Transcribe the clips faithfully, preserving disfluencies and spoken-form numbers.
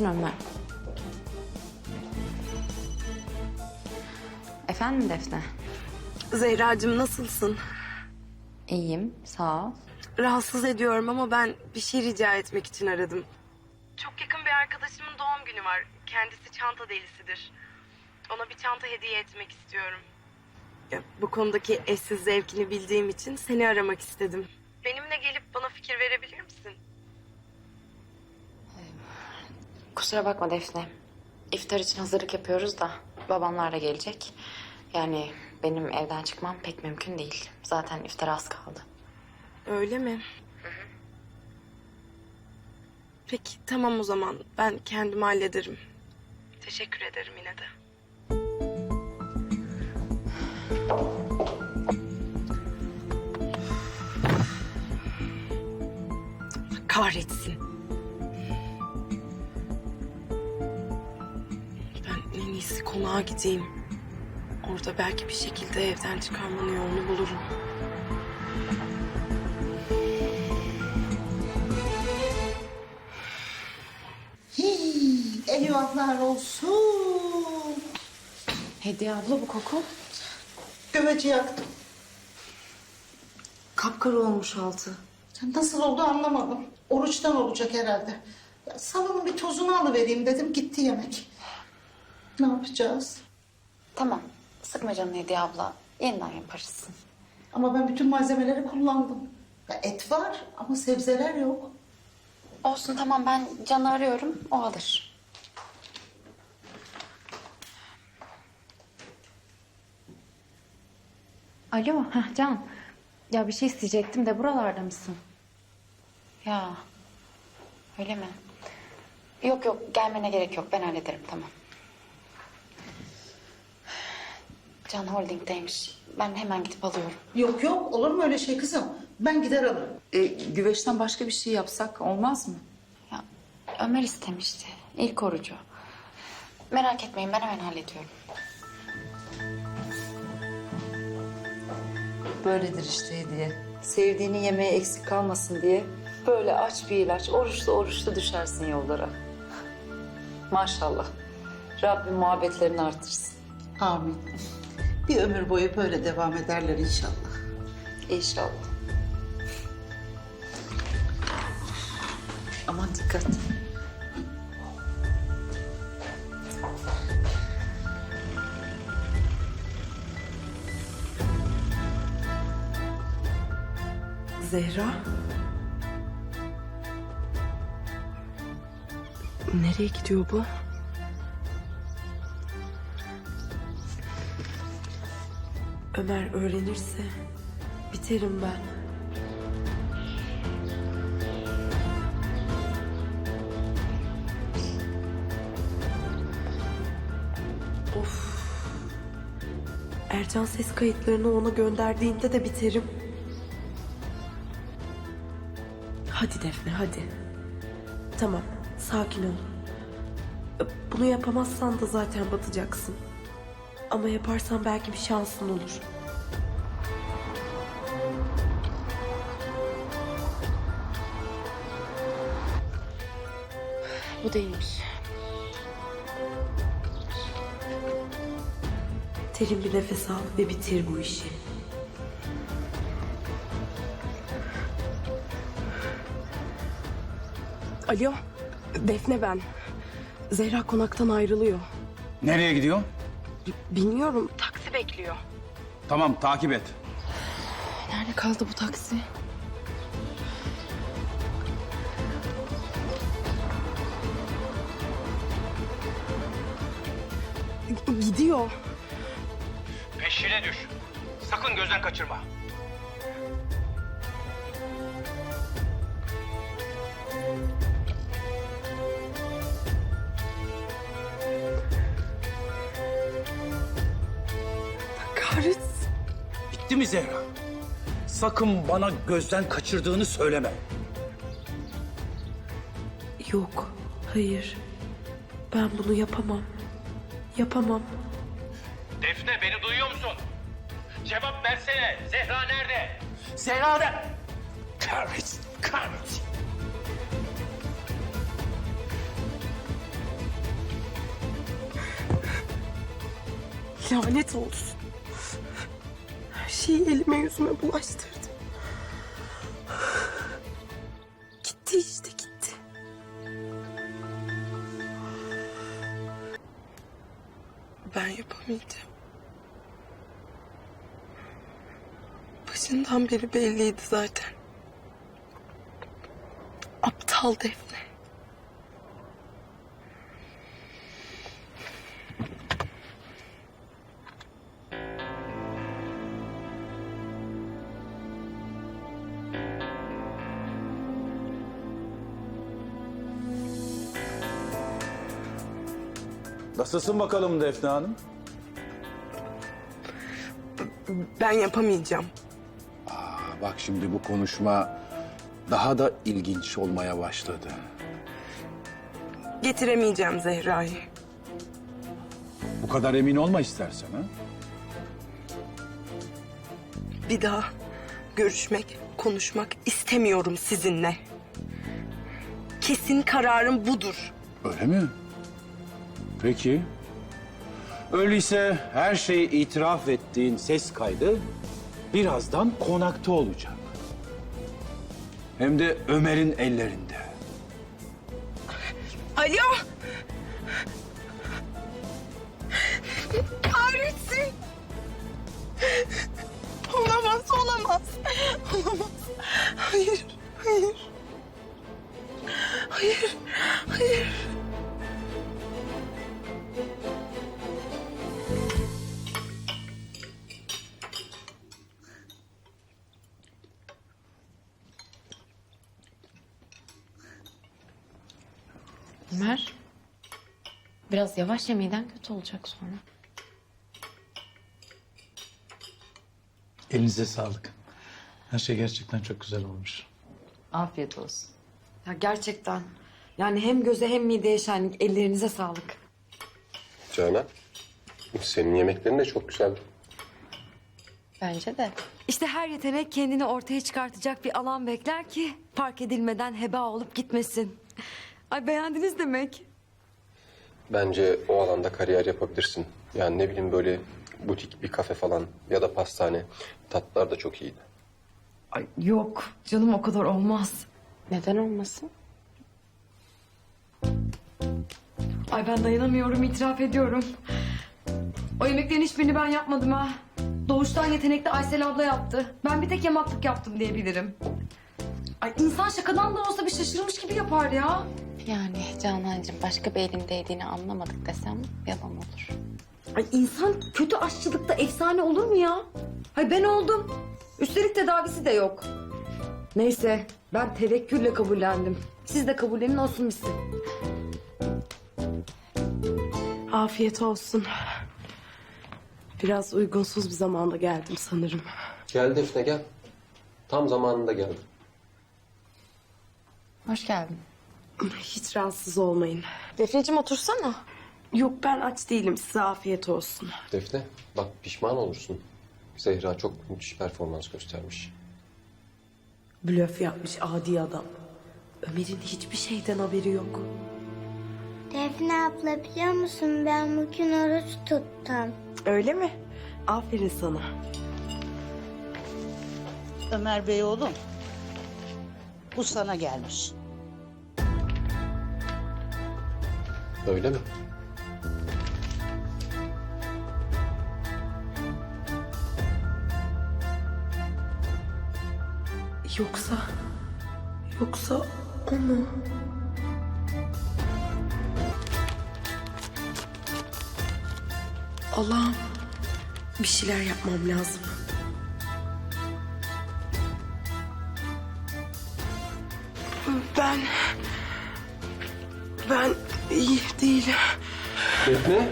Kahretsin Ömer. Efendim Defne? Zehracığım nasılsın? İyiyim, sağ ol. Rahatsız ediyorum ama ben bir şey rica etmek için aradım. Çok yakın bir arkadaşımın doğum günü var. Kendisi çanta delisidir. Ona bir çanta hediye etmek istiyorum. Ya, bu konudaki eşsiz zevkini bildiğim için seni aramak istedim. Benimle gelip bana fikir verebilir misin? Kusura bakma Defne. İftar için hazırlık yapıyoruz da babamlar da gelecek. Yani benim evden çıkmam pek mümkün değil. Zaten iftara az kaldı. Öyle mi? Peki tamam o zaman. Ben kendim hallederim. Teşekkür ederim yine de. Kahretsin. Ben en iyisi konağa gideyim. Orada belki bir şekilde evden çıkarmanın yolunu bulurum. Hii, eyvahlar olsun. Hediye abla bu koku. Güveci yaktım. Kapkara olmuş altı. Nasıl oldu anlamadım. Oruçtan olacak herhalde. Ya, salonun bir tozunu alıvereyim dedim, gitti yemek. Ne yapacağız? Tamam, sıkma canını Hediye abla. Yeniden yaparız. Ama ben bütün malzemeleri kullandım. Ya, et var ama sebzeler yok. Olsun tamam, ben Can'ı arıyorum, o alır. Alo, heh, Can. Ya bir şey isteyecektim de buralarda mısın? Ya, öyle mi? Yok yok, gelmene gerek yok. Ben hallederim, tamam. Can Holding'deymiş. Ben hemen gidip alıyorum. Yok yok, olur mu öyle şey kızım? Ben gider alırım. E, güveçten başka bir şey yapsak olmaz mı? Ya Ömer istemişti. İlk orucu. Merak etmeyin, ben hemen hallediyorum. Böyledir işte hediye. Sevdiğini yemeğe eksik kalmasın diye böyle aç bir ilaç, oruçlu oruçlu düşersin yollara. Maşallah. Rabbim muhabbetlerini artırsın. Amin. Bir ömür boyu böyle devam ederler inşallah. İnşallah. Aman dikkat. Zehra? Nereye gidiyor bu? Ömer öğrenirse biterim ben. Of. Ercan ses kayıtlarını ona gönderdiğinde de biterim. Hadi Defne hadi. Tamam sakin ol. Bunu yapamazsan da zaten batacaksın. Ama yaparsan belki bir şansın olur. Bu değilmiş. Derin bir nefes al ve bitir bu işi. Alo, Defne ben. Zehra konaktan ayrılıyor. Nereye gidiyorsun? B- bilmiyorum, taksi bekliyor. Tamam, takip et. Nerede kaldı bu taksi? G- gidiyor. Peşine düş. Sakın gözden kaçırma. Kahretsin. Bitti mi Zehra? Sakın bana gözden kaçırdığını söyleme. Yok, hayır. Ben bunu yapamam. Yapamam. Defne beni duyuyor musun? Cevap versene. Zehra nerede? Zehra nerede? Kahretsin, kahretsin. Lanet olsun. Her şeyi elime yüzüme bulaştırdım. Gitti işte gitti. Ben yapamayacağım. Başından beri belliydi zaten. Aptal Defne. Nasılsın bakalım Defne Hanım? Ben yapamayacağım. Bak şimdi bu konuşma daha da ilginç olmaya başladı. Getiremeyeceğim Zehra'yı. Bu kadar emin olma istersen ha. Bir daha görüşmek, konuşmak istemiyorum sizinle. Kesin kararım budur. Öyle mi? Peki. Öyleyse her şeyi itiraf ettiğin ses kaydı birazdan konakta olacak. Hem de Ömer'in ellerinde. Alo! Kahretsin! Olamaz, olamaz. Olamaz. Hayır, hayır. Hayır, hayır. Ömer, biraz yavaş yemeden kötü olacak sonra. Elinize sağlık. Her şey gerçekten çok güzel olmuş. Afiyet olsun. Ya gerçekten. Yani hem göze hem mideye şenlik. Ellerinize sağlık. Canan, senin yemeklerin de çok güzeldi. Bence de. İşte her yetenek kendini ortaya çıkartacak bir alan bekler ki fark edilmeden heba olup gitmesin. Ay beğendiniz demek. Bence o alanda kariyer yapabilirsin. Yani ne bileyim böyle butik bir kafe falan ya da pastane. Tatlılar da çok iyiydi. Ay yok canım o kadar olmaz. Neden olmasın? Ay ben dayanamıyorum itiraf ediyorum. O yemeklerin hiçbirini ben yapmadım ha. Doğuştan yetenekli Aysel abla yaptı. Ben bir tek yamaklık yaptım diyebilirim. Ay insan şakadan da olsa bir şaşırmış gibi yapar ya. Yani Canancığım başka bir elin değdiğini anlamadık desem yalan olur. Ay insan kötü aşçılıkta efsane olur mu ya? Ay ben oldum. Üstelik tedavisi de yok. Neyse ben tevekkülle kabullendim. Siz de kabullenin olsun bitsin. Afiyet olsun. Biraz uygunsuz bir zamanda geldim sanırım. Gel Defne gel. Tam zamanında geldim. Hoş geldin. Hiç rahatsız olmayın. Defneciğim otursana. Yok ben aç değilim. Size afiyet olsun. Defne bak pişman olursun. Zehra çok müthiş performans göstermiş. Blöf yapmış adi adam. Ömer'in hiçbir şeyden haberi yok. Defne abla biliyor musun ben bugün oruç tuttum. Öyle mi? Aferin sana. Ömer Bey oğlum. Bu sana gelmiş. Öyle mi? Yoksa... Yoksa o mu? Allah'ım bir şeyler yapmam lazım. Ben... Ben iyi değilim. Defne?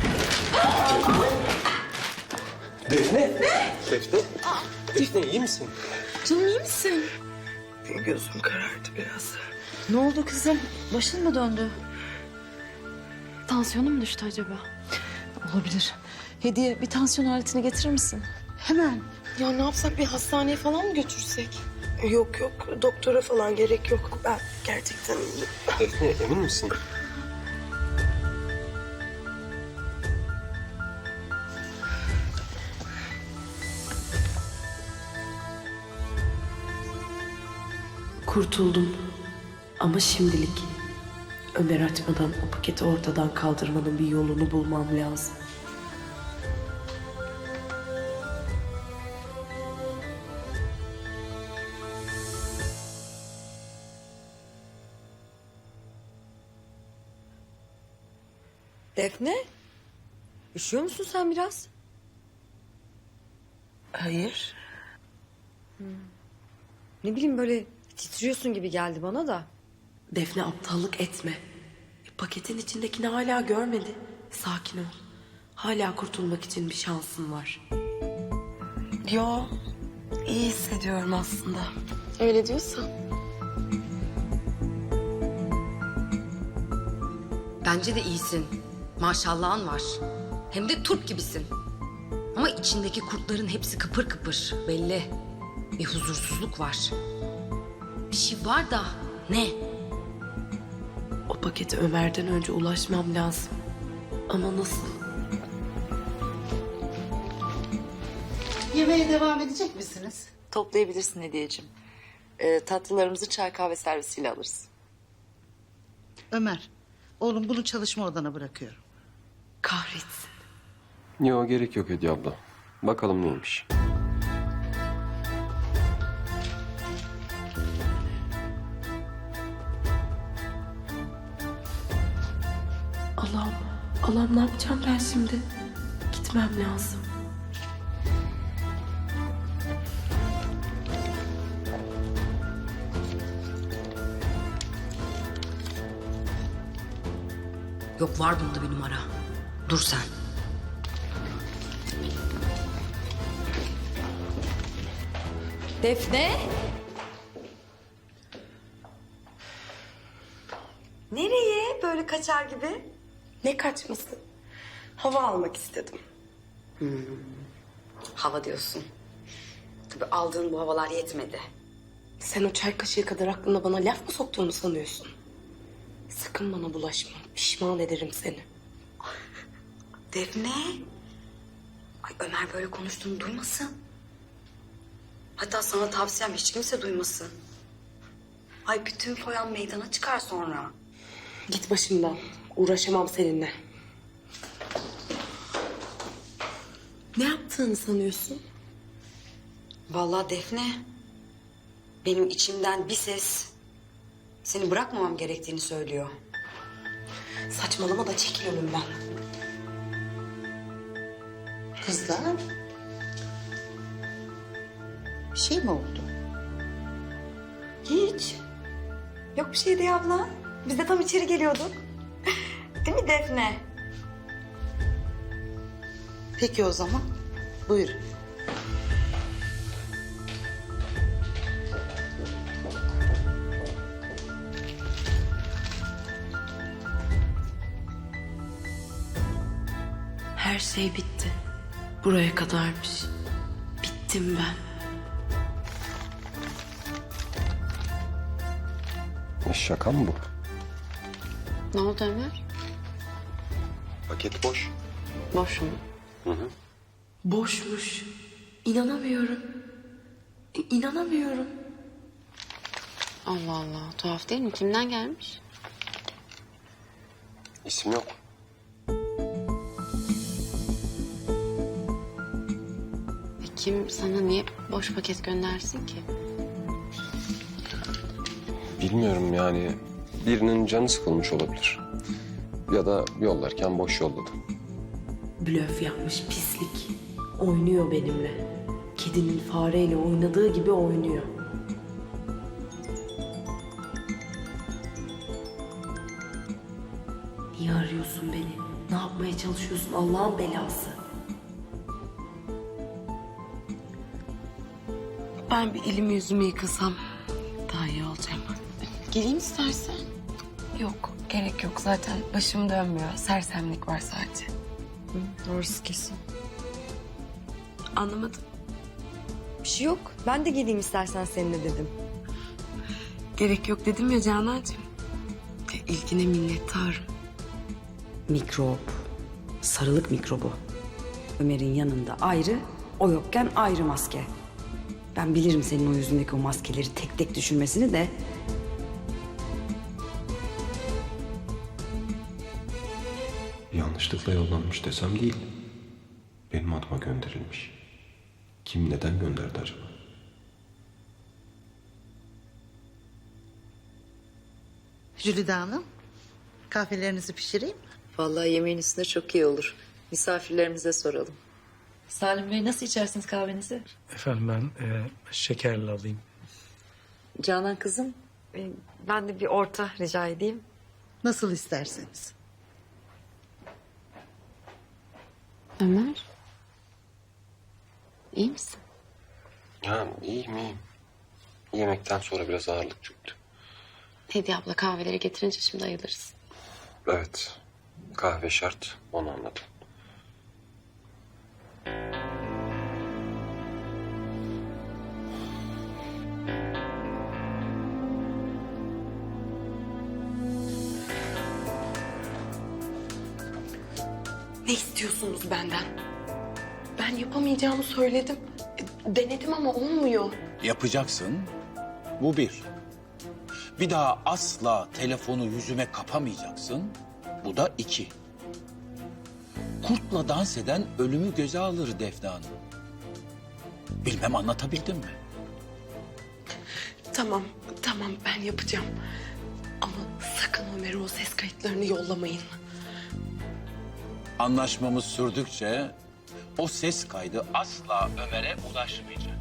Defne? Ne? Defne? Defne iyi misin? Canım iyi misin? Gözüm karardı biraz. Ne oldu kızım? Başın mı döndü? Tansiyonum mu düştü acaba? Olabilir. Hediye bir tansiyon aletini getirir misin? Hemen. Ya ne yapsak bir hastaneye falan mı götürsek? Yok yok doktora falan gerek yok. Ben gerçekten iyiyim. Defne emin misin? Kurtuldum. Ama şimdilik. Ömer açmadan o paketi ortadan kaldırmanın bir yolunu bulmam lazım. Defne? Üşüyor musun sen biraz? Hayır. Ne bileyim böyle titriyorsun gibi geldi bana da. Defne aptallık etme. E, paketin içindekini hala görmedi. Sakin ol. Hala kurtulmak için bir şansın var. Yo, iyi hissediyorum aslında. Öyle diyorsan. Bence de iyisin. Maşallahın var. Hem de turp gibisin. Ama içindeki kurtların hepsi kıpır kıpır. Belli. Bir huzursuzluk var. Bir şey var da ne? O pakete Ömer'den önce ulaşmam lazım. Ama nasıl? Yemeğe devam edecek misiniz? Toplayabilirsin Hediyeciğim. Ee, tatlılarımızı çay kahve servisiyle alırız. Ömer, oğlum bunu çalışma odana bırakıyorum. Kahretsin. Yok gerek yok Hediye abla. Bakalım neymiş. Allah'ım, Allah'ım ne yapacağım ben şimdi? Gitmem lazım. Yok, var bunda bir numara. Dur sen. Defne? Nereye böyle kaçar gibi? Ne kaçması? Hava almak istedim. Hava diyorsun. Tabii aldığın bu havalar yetmedi. Sen o çay kaşığı kadar aklına bana laf mı soktuğunu sanıyorsun? Sakın bana bulaşma. Pişman ederim seni. Defne. Ay Ömer böyle konuştuğunu duymasın. Hatta sana tavsiyem hiç kimse duymasın. Ay bütün foyan meydana çıkar sonra. Git başımdan. Uğraşamam seninle. Ne yaptığını sanıyorsun? Vallahi Defne. Benim içimden bir ses seni bırakmamam gerektiğini söylüyor. Saçmalama da çekil önümden. Kızlar, bir şey mi oldu? Hiç. Yok bir şey diye abla. Biz de tam içeri geliyorduk. Değil mi Defne? Peki o zaman, buyurun. Her şey bitti. Buraya kadarmış. Bittim ben. E, şaka mı bu? Ne oldu Ömer? Paket boş. Boş mu? Hı hı. Boşmuş. İnanamıyorum. İ- İnanamıyorum. Allah Allah, tuhaf değil mi? Kimden gelmiş? İsim yok. E kim sana niye boş paket göndersin ki? Bilmiyorum yani. Birinin canı sıkılmış olabilir. Ya da yollarken boş yolladı. Blöf yapmış pislik. Oynuyor benimle. Kedinin fareyle oynadığı gibi oynuyor. Niye arıyorsun beni? Ne yapmaya çalışıyorsun Allah'ın belası? Ben bir elimi yüzümü yıkasam daha iyi olacağım. Geleyim istersen. Yok, gerek yok. Zaten başım dönmüyor. Sersemlik var sadece. Doğrusu kesin. Anlamadım. Bir şey yok. Ben de geleyim istersen seninle dedim. Gerek yok dedim ya Canancığım. E, İlgine minnettarım. Mikrop. Sarılık mikrobu. Ömer'in yanında ayrı, o yokken ayrı maske. Ben bilirim senin o yüzündeki o maskeleri tek tek düşürmesini de. Yanlışlıkla yollanmış desem değil. Benim adıma gönderilmiş. Kim neden gönderdi acaba? Jülide Hanım, kahvelerinizi pişireyim mi? Vallahi yemeğin üstüne çok iyi olur. Misafirlerimize soralım. Salim Bey nasıl içersiniz kahvenizi? Efendim ben e, şekerli alayım. Canan kızım. Ee, Ben de bir orta rica edeyim. Nasıl isterseniz. Ömer. İyi misin? Ya iyiyim iyiyim. Yemekten sonra biraz ağırlık çöktü. Hediye abla kahveleri getirince şimdi ayılırız. Evet. Kahve şart. Onu anladım. Ne istiyorsunuz benden? Ben yapamayacağımı söyledim. E, Denedim ama olmuyor. Yapacaksın. Bu bir. Bir daha asla telefonu yüzüme kapamayacaksın. Bu da iki. Kurtla dans eden ölümü göze alır Defne Hanım. Bilmem anlatabildim mi? Tamam, tamam ben yapacağım. Ama sakın Ömer'e o ses kayıtlarını yollamayın. Anlaşmamız sürdükçe o ses kaydı asla Ömer'e ulaşmayacak.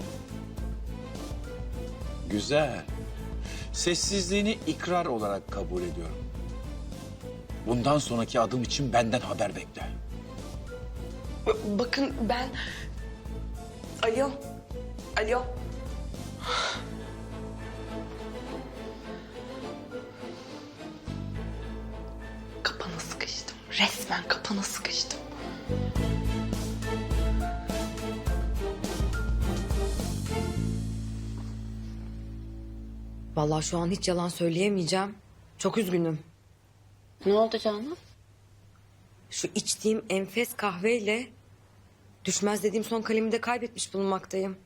Güzel. Sessizliğini ikrar olarak kabul ediyorum. Bundan sonraki adım için benden haber bekle. B- bakın ben... Alo, alo. Kapana sıkıştım. Resmen kapana sıkıştım. Vallahi şu an hiç yalan söyleyemeyeceğim. Çok üzgünüm. Ne oldu Canan? Şu içtiğim enfes kahveyle düşmez dediğim son kalemi de kaybetmiş bulunmaktayım.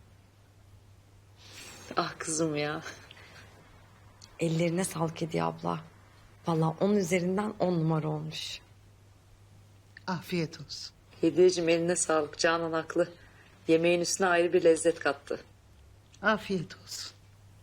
Ah kızım ya. Ellerine sağlık Hediye abla. Vallahi onun üzerinden on numara olmuş. Afiyet olsun. Hediyeciğim eline sağlık. Canan haklı. Yemeğin üstüne ayrı bir lezzet kattı. Afiyet olsun.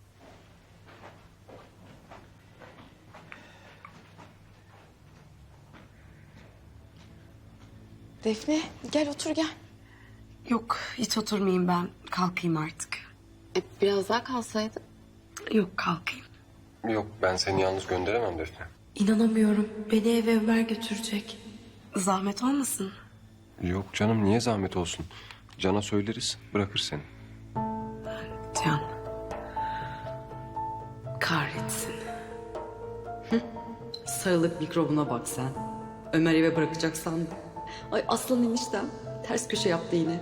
Defne gel otur gel. Yok hiç oturmayayım ben. Kalkayım artık. E, biraz daha kalsaydın. Yok kalkayım. Yok ben seni yalnız gönderemem Defne. İnanamıyorum. Beni eve Ömer götürecek. Zahmet olmasın? Yok canım niye zahmet olsun? Can'a söyleriz bırakır seni. Can. Kahretsin. Sarılık mikrobuna bak sen. Ömer eve bırakacak sandım. Ay aslan eniştem ters köşe yaptı yine.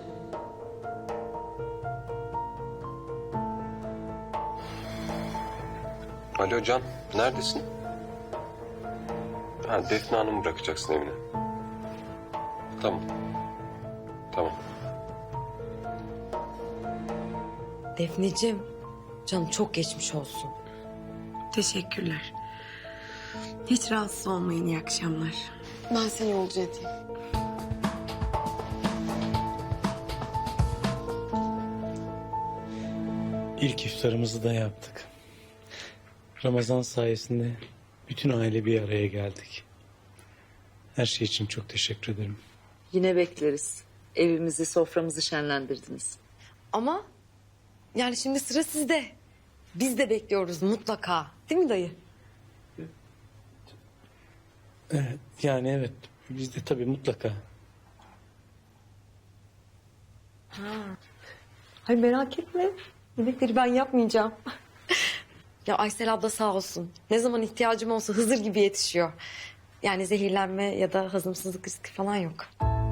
Alo Can neredesin? Ha Defne Hanım'ı bırakacaksın evine. Tamam. Tamam. Defneciğim, canım çok geçmiş olsun. Teşekkürler. Hiç rahatsız olmayın. İyi akşamlar. Ben seni yolcu edeyim. İlk iftarımızı da yaptık. Ramazan sayesinde bütün aile bir araya geldik. Her şey için çok teşekkür ederim. Yine bekleriz. Evimizi, soframızı şenlendirdiniz. Ama yani şimdi sıra sizde. Biz de bekliyoruz mutlaka. Değil mi dayı? Evet, yani evet. Biz de tabii mutlaka. Hayır merak etme. Yemekleri ben yapmayacağım. Ya Aysel abla sağ olsun. Ne zaman ihtiyacım olsa Hızır gibi yetişiyor. Yani zehirlenme ya da hazımsızlık riski falan yok.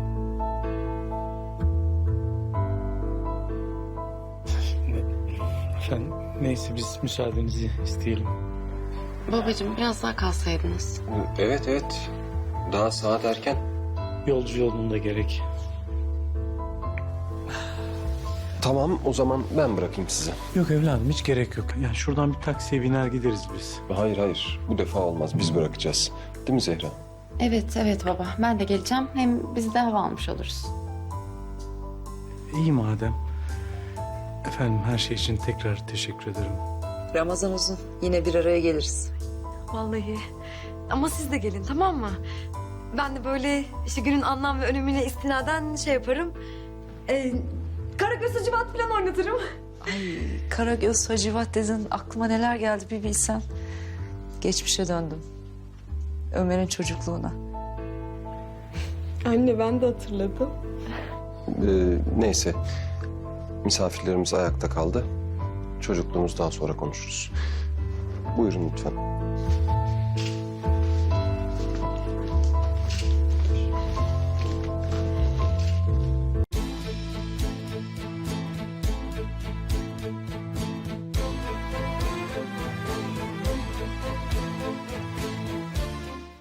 Efendim neyse biz müsaadenizi isteyelim. Babacığım biraz daha kalsaydınız. Evet evet. Daha saat erken. Yolcu yolunda gerek. Tamam, o zaman ben bırakayım sizi. Yok evladım hiç gerek yok. Yani şuradan bir taksiye biner gideriz biz. Hayır hayır, bu defa olmaz. Biz bırakacağız. Değil mi Zehra? Evet evet baba ben de geleceğim. Hem biz de hava almış oluruz. İyi madem. Efendim her şey için tekrar teşekkür ederim. Ramazan uzun. Yine bir araya geliriz. Vallahi. Ama siz de gelin tamam mı? Ben de böyle işte günün anlam ve önemine istinaden şey yaparım. Ee, Karagöz Hacivat falan oynatırım. Ay Karagöz Hacivat dedin. Aklıma neler geldi bir bilsen. Geçmişe döndüm. Ömer'in çocukluğuna. Anne ben de hatırladım. Ee, neyse. Misafirlerimiz ayakta kaldı. Çocukluğumuz daha sonra konuşuruz. Buyurun lütfen.